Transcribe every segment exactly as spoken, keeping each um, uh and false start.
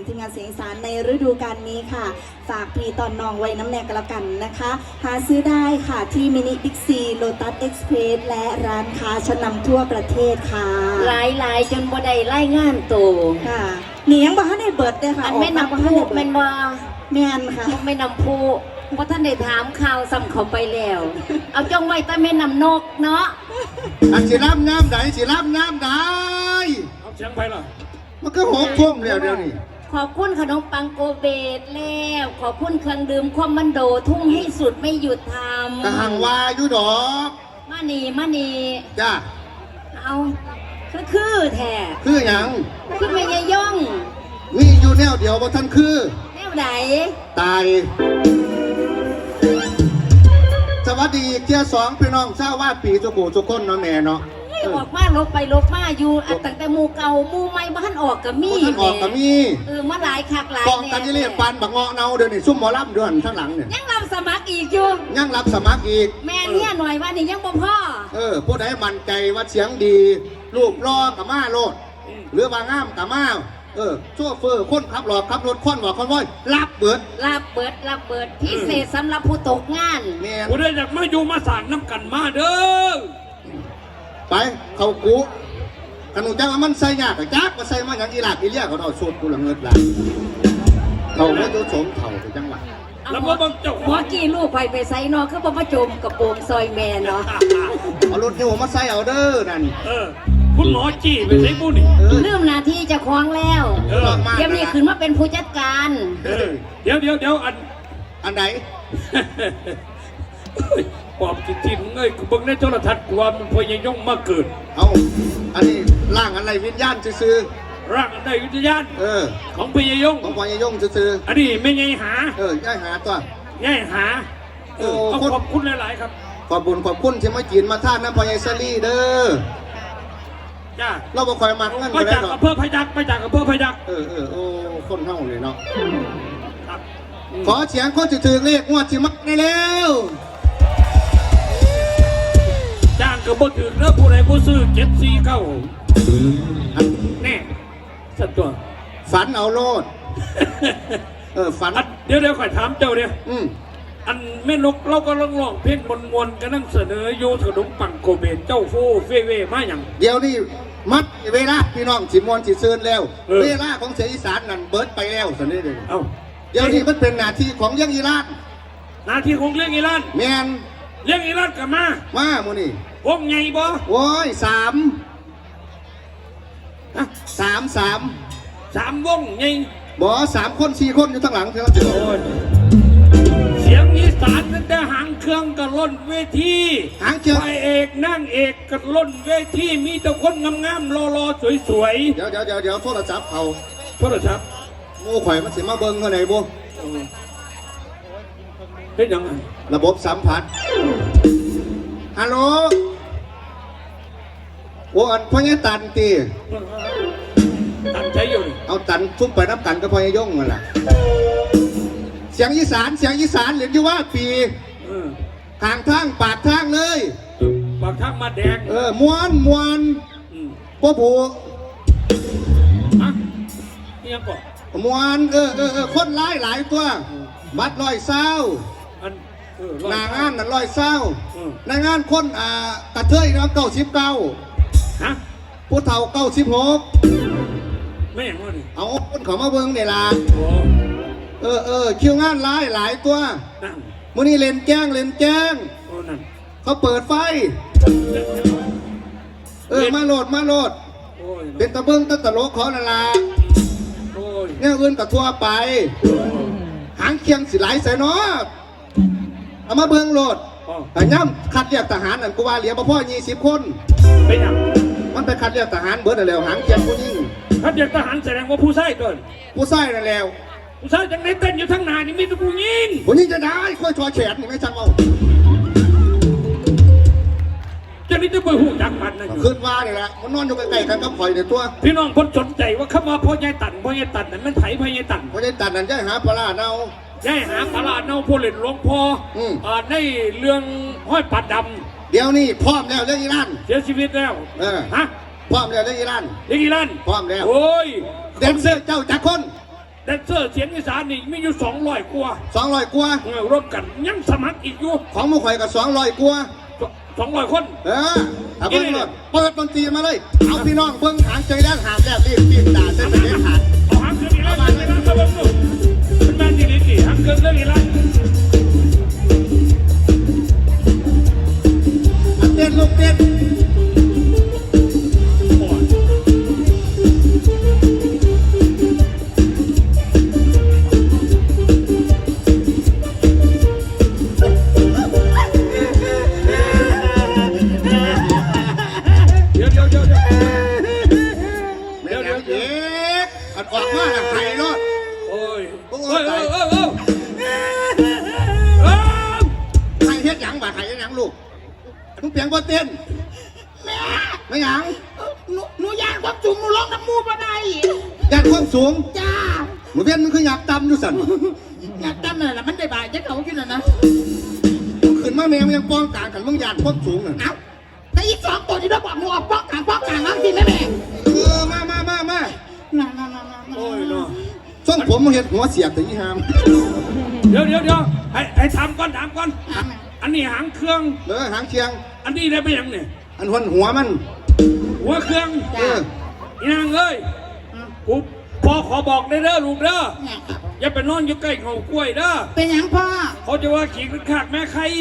นุนทีมงานเสียงอีสานในฤดูกาลนี้ค่ะฝากพี่ตอนน้องไว้น้ำแนกกันแล้วกันนะคะหาซื้อได้ค่ะที่มินิบิ๊กซีโลตัสเอ็กซ์เพรสและร้านค้าชั้นนำทั่วประเทศค่ะหลายหลายจนบ่ได้ไล่งานโตค่ะนี่ยังบ่ทันได้เบิดเลยค่ะอันไม่นำผู้แม่นว่าแม่นค่ะไม่นำผู้เพราะท่านได้ถามข่าวซ้ำเขาไปแล้วเอาจ้องไว้แต่ไม่นำนกเนาะอันสิรับน้ำไหนสิรับน้ำไหนเอาเสียงไปล่ะมันก็หกทุ่มแล้วเดี๋ยวนี้ขอบคุณขนมปังโกเบตแล้วขอบคุณเครื่องดื่มความมันโดทุ่งให้สุดไม่หยุดทำกะหังวาอยู่ดอกมานีมานีจ้าเอาคือคือแท้คือหยังคือไม่ยย่องมีอยู่แนวเดียวบ่ท่านคือแนวไหนตายสวัสดีเจ้าสองพี่น้องชาวว่าปีสุกูสุคนเนาะแม่เนาะออกมาลบไปลบมาอยู่ตั้งแต่หมู่เก่าหมู่ใหม่บ้านออกกับมีท่านออกกับมีเออมาหลายคักหลายกองกันยี่เรียกปานบักเงาะเนาเดี๋ยวนี้ซุ่มหมอลำเดือนข้างหลังเนี่ยยังรับสมัครอีกอยู่ยังรับสมัครอีกแม่เนี่ยหน่อยว่านี่ยังบ่พ่อเออผู้ใดมั่นใจว่าเสียงดีรูปรอกับมาโลดหรือว่างามกับมาเออโชเฟอร์คนขับรถขับรถค้นว่าคนว้อยรับเบิดรับเบิดรับเบิดพิเศษสำหรับผู้ตกงานผู้ใดอยากมาอยู่มาสานน้ำกันมาเด้อไปเขากูขนมจังมันใส่ยากกับจักมาใส่มาอย่างอีหลาดอีเลี่ยเขาเอาสูตรกูละเงินละเขาไม่ยศสมเถ่าไปจังหวะแล้วว่าบางเจ้าหัวกี่ลูกไปไปใส่นอคือบ่มาจมกับโป่งซอยแม่เนาะเอารถนี่ผมมาใส่เอาเด้อนั่นเออคุณหมอจี้ไปใส่บุญเริ่มนาทีจะคล้องแล้วเดี๋ยวนี้ขึ้นมาเป็นผู้จัดการเดี๋ยวเดี๋ยวเดี๋ยวอันอันไหนปอบจิตจิตเงยกูเบิ่งในโทรทัศน์กูว่ามันพยายงมาเกิดเอาอันนี้ร่างอะไรวิญญาณซื้อร่างอันใดวิญญาณเออของพยายงของพยายงซื้ออันนี้ไม่ไงหาเออย่ายหาตัวย่ายหาเออขอบคุณหลายๆครับขอบบุญขอบคุณที่มาจีนมาท่านน้ำพยายซาลี่เด้อจ้าเราบอกคอยมักเงินไปจากอำเภอพยัคฆ์ไปจากอำเภอพยัคฆ์เออเออโอ้คนเท่าเลยเนาะขอเสียงคนจะถือเลขงวดสิมักได้แล้วจ้างกับบ่ถือแล้วผู้ใดผู้ซื้อเจ็ดสี่เก้าแน่สัตว์ตัวฝันเอาโลดเออฝันเดี๋ยวเดี๋ยวข่อยถามเจ้าเนี่ยอืมอันแม่นกเราก็ร้องร้องเพลงมนมนกันนั่งเสนอโยขนมปังโกเบนเจ้าโฟเฟเวมาอย่างเดี๋ยวนี้มัดเวลาพี่น้องสิมวนสิเซินแล้วเวลาของเสียอีสานนั่นเบิร์ดไปแล้วสันนี้เลยเอ้าเดี๋ยวนี้มันเป็นหน้าที่ของเลี้ยงอีรานหน้าที่ของเลี้ยงอีรานแมนเลี้ยงอีรานกับมามาโมนี่วงไงบ่โอ้ยสามสามสามสามวงไงบ่สามคนสี่คนอยู่ทั้งหลังเท่านั้นเสียงอีสานนั่นแต่หางเครื่องกับล้นเวทีหางเครื่องไอเอกนั่งเอกกับล้นเวทีมีแต่คนงามๆรอๆสวยๆเดี๋ยวเดี๋ยวเดี๋ยวเดี๋ยวโทรศัพท์เขาโทรศัพท์โม่ข่อยมันสิมาเบิ้งเท่าไหร่บ่เป็นยังไงระบบสัมผัสฮัลโหลโอ้อันพ่อเนี่ยตันตีตันใช้อยู่เอาตันทุบไปนับกันก็พ่อเนี่ยย่งมาล่ะเสียงอีสานเสียงอีสานเหลืออยู่ว่าปีทางทางปากทางเลยปากทางมาแดงเออมวนมวนพ่อผูฮะนี่ยังก่อนมวนเออเออเออคนร้ายหลายตัวบัดลอยเศร้านางานนั่นลอยเศร้านางานคนอ่ากระเทยน้ำเก้าสิบเก้าฮะผู้เฒ่าเก้าสิบหกไม่อย่างนั้นเอาคนเขามาเบิ้งเดี๋ยวละเออเออคิวงานร้ายหลายตัวมื้อนี้เล่นแจ้งเล่นแจ้งเขาเปิดไฟเออมาโหลดมาโหลดเป็นตะเบิ้งตะตะโลขอนาลาเนี่ยอื่นกับทั่วไปหางเคียงสิไหลใส่เนาะเอามาเบิ้งโหลดแต่ย่ำคัดเรียกทหารนั่นกูว่าเหลียบพ่อยี่สิบคนเป็นยังมันไปคัดเรียกทหารเบิร์ดแล้วหางเคียงผู้ยิ่งคัดเรียกทหารแสดงว่าผู้ใส่ก่อนผู้ใส่นั่นแล้วผู้ใส่จังได้เต้นอยู่ทั้งนานี่มีแต่ผู้ยิงผู้ยิ่งจะได้ค่อยชอแฉนนี่ไม่ช่างเอาจะนี่จะไปหูจักมันนะขึ้นว่าเนี่ยแหละมันนอนอยู่ใกล้ๆกันก็ปล่อยในตัวพี่น้องคนสนใจว่าเข้ามาพ่อใหญ่ตันพ่อใหญ่ตันนั่นมันไถพ่อใหญ่ตันพ่อใหญ่ตันนั่นใช่หาปลาเนาใช่หาปลาเนาพ่อเล่นหลวงพ่ออ่าในเรื่องห้อยปัดดำเดี๋ยวนี้พร้อมแล้วเรื่องอีรานเสียชีวิตแล้วเออฮะพร้อมแล้วเรื่องอีรานเรื่องอีรานพร้อมแล้วโอ้ยเดนเซอร์เจ้าจักรคนแดนเซอร์เสียงอีสานนี่มีอยู่สองร้อยกว่าสองร้อยกว่าเออรวมกันยังสมัครอีกอยู่ของหมูข่อยกับสองร้อยกว่าสองร้อยคนเออถ้าเบิ้งรถเปิดดนตรีมาเลย เอาพี่น้องเบิ้งหางใจด้านหางแดดรีบปีนด่าเส้นเด็ดขาดเอาหางเครื่องอีกแล้วหางเครื่องอีกแล้วครับผมเป็นแมนดีดีหางเครื่องเรื่องอีกแล้วเต้นลูกเต้นโอ้ย เดี๋ยวเดี๋ยวเดี๋ยวเดี๋ยวเดี๋ยวเดี๋ยวเด็กอันออกมาทางไทยรถโอ้ยโอ้โอ้ยยตายโอ้ยโอ้ยโอ้ยไทยเฮ็ดหยังบ่ไทยเฮ็ดหยังลูกมึงเปลี่ยนบ่เต้นแม่ไม่หยังหนูหนูย่างความจุ่มหนูร้องน้ำมูกมาได้ยานความสูงจ้าหนูเพี้ยนมึงคืออยากต่ำอยู่สั่นอยากจำเลยละมันได้บ่ายจะเขากินนะนะมึงขึ้นมาแม่มึงยังป้องกลางกันมึงยานความสูงน่ะเอ้าแต่อีกสองตัวที่เราบอกหนูออกป้องกลางป้องกลางน้องสิแม่แม่เออมามามามาน่าน่าน่าน่าโอ้ยเนาะส่งผมมึงเห็นหัวเสียบแต่ยี่หามเดี๋ยวเดี๋ยวเดี๋ยวให้ให้ถามก่อนถามก่อน อันนี้หางเครื่องเออหางเชียงอันนี้ได้ไปยังเนี่ยอันหัวหัวมันหัวเครื่องเอออีนางเอ้ยกูพอขอบอกได้เด้อลูกเด้อเนี่ยครับอย่าไปนอนอยู่ใกล้เขากล้วยเด้อเป็นหยังพ่อเขาจะว่าขี่ขากแม่ใคร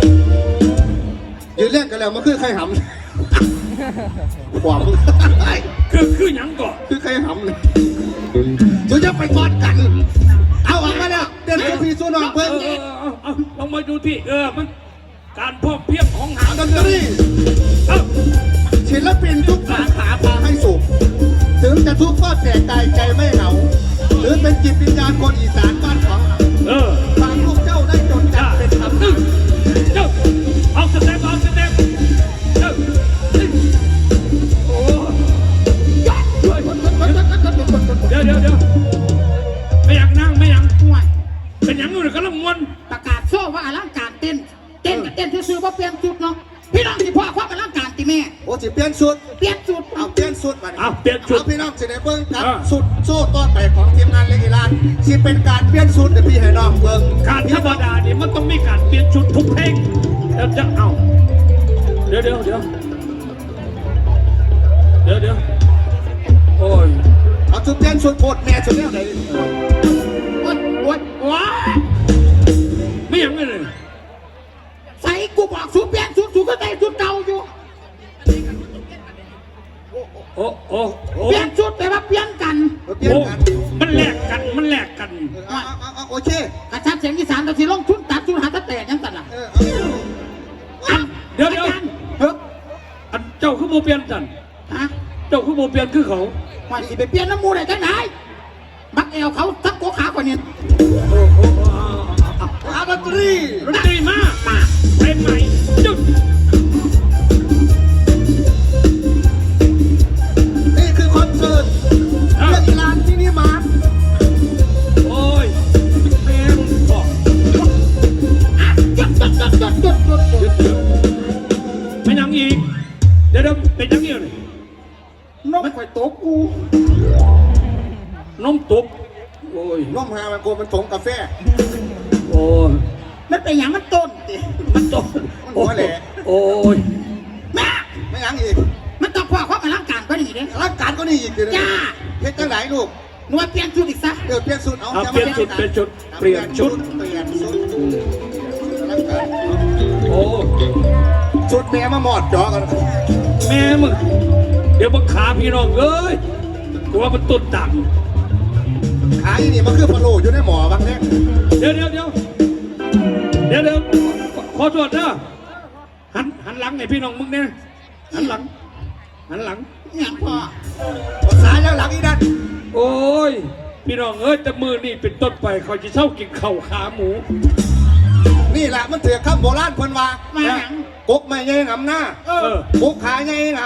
ยืนเล่นกันแล้วมันคือใครหำขวามึงคือคือหยังก่อนคือใครหำเลยจะจะไปกอดกัน เอาออกมาเนี่ยเดินกับพี่สู้น้องเอเพิ่งอเออเอาเอาลองมาดูที่เออมันการพอกเพียงของหางดนตรีเอ้าศิลปินทุกสาขาพาให้สุขถึงจะทุกข์ก็แตกตายใจไม่เหงาหรือเป็นจิตวิญญาณคนอีสานบ้านของเราเออฝากลูกเจ้าได้จดจ้าจำเป็นคำตึ้งเจ้าเอาสเต็ปเอาสเต็ปเจ้าตึ้งโอ้เดี๋ยวเดี๋ยวเดี๋ยวไม่อยากนั่งไม่อยากห่วยเป็นหยังอยู่เนี่ยกำลังมวนประกาศโซ่ว่าอลังการเต้น เต้นกับเต้นซื้อๆว่าเปลี่ยนจุดเนาะพี่น้องที่พ่อความอลังการตีแม่โอ้สิเปลี่ยนสุดเปลี่ยนจุดเอาเปลี่ยนสุดมาเอาเปลี่ยนชุดเอาพี่น้องสิได้เบิ้งกันอ่าสุดโซ่ต้อนไปของทีมงานเล็กอีลานสิเป็นการเปลี่ยนสุดเดี๋ยวพี่ให้น้องเบิ้งการธรรมดาเนี่ยมันต้องมีการเปลี่ยนชุดทุกเพลงแล้วจะเอาเดี๋ยวเดี๋ยวเดี๋ยวเดี๋ยวเดี๋ยวโอ้ยเอาชุดเปลี่ยนสุดโคตรแม่สุดแล้วไหนโอ๊ยโอ๊ยว้าไม่หยังเลยใส่กูบอกสูเปลี่ยนจุดสูก็ได้จุดเก่าอยู่โอ้โอ้โอ้เปลี่ยนจุดแต่ว่าเปลี่ยนกันเอาเปลี่ยนโอ้กันมันแลกกันมันแลกกันเอาเอาเอาเอาโอเคกระชับเสียงอีสานเราที่ลงทุนตัดทุนหาตะแตกยังกันล่ะเออเอาอันเดี๋ยวเดี๋ยวอาจารย์เฮ้ยอันเจ้าคือโมเปลี่ยนจันฮะเจ้าคือโมเปลี่ยนคือเขาว่าสิไปเปลี่ยนน้ำมูได้จังไหนบักเอวเขาทักโกขากว่านี้โอ้โอ้โอ้เอาเอาเอาดนตรีดนตรีมามาเพลงใหม่จุดนี่คือคอนเสิร์ตเล็กอีลานมินิมาร์ทโอ้ยแม่มึงบอกอ่ะหยุดหยุดหยุดหยุดหยุดหยุดหยุดหยุดหยุดไม่ยังอีกเดี๋ยวเดี๋ยวเป็นยังอีกเลยนกข่อยโตกูน้มตุกโอ้ยน้องหามันโกมันถงกาแฟโอ้ยมันเป็นอย่างมันต้นติมันตกมันหัวแหละโอ้ยแม่ไม่ยังอีกมันต้องพ่อความอลังการก็นี่เด้ร่างการก็นี่อีกเลยจ้าเฮ็ดจังไหนลูกหนูว่าเปลี่ยนชุดอีกซะเดี๋ยวเปลี่ยนสุดเอาเอาจะเปลี่ยนชุดเปลี่ยนชุดเปลี่ยนชุดเปลี่ยนชุดร่างการโอ้ชุดแม่มาหมอดจอกันแม่มึงเดี๋ยวมึงขาพี่น้องเอ้ยกูว่ามันตุ่นต่ขายนี่มันคือพะโล้อยู่ในหมอบางเนี่ยำเดี๋ยวเดี๋ยวเดี๋ยวเดี๋ยวเดี๋ยวขอโทษนะหันหันหลังไอ้พี่น้องมึงเนี่ยหันหลังหันหลังอย่างพ่อภาษาแล้วหลังอีนั่นโอ้ยพี่น้องเอ้ยแต่มือนี่เป็นต้นไปเขาจะเช่ากินเข่าวขาหมูนี่แหละมันเถื่อคำโบราณเพิ่นว่ามาหยังกกไม่ใหญ่หนำหน้าเออกกขาใหญ่หน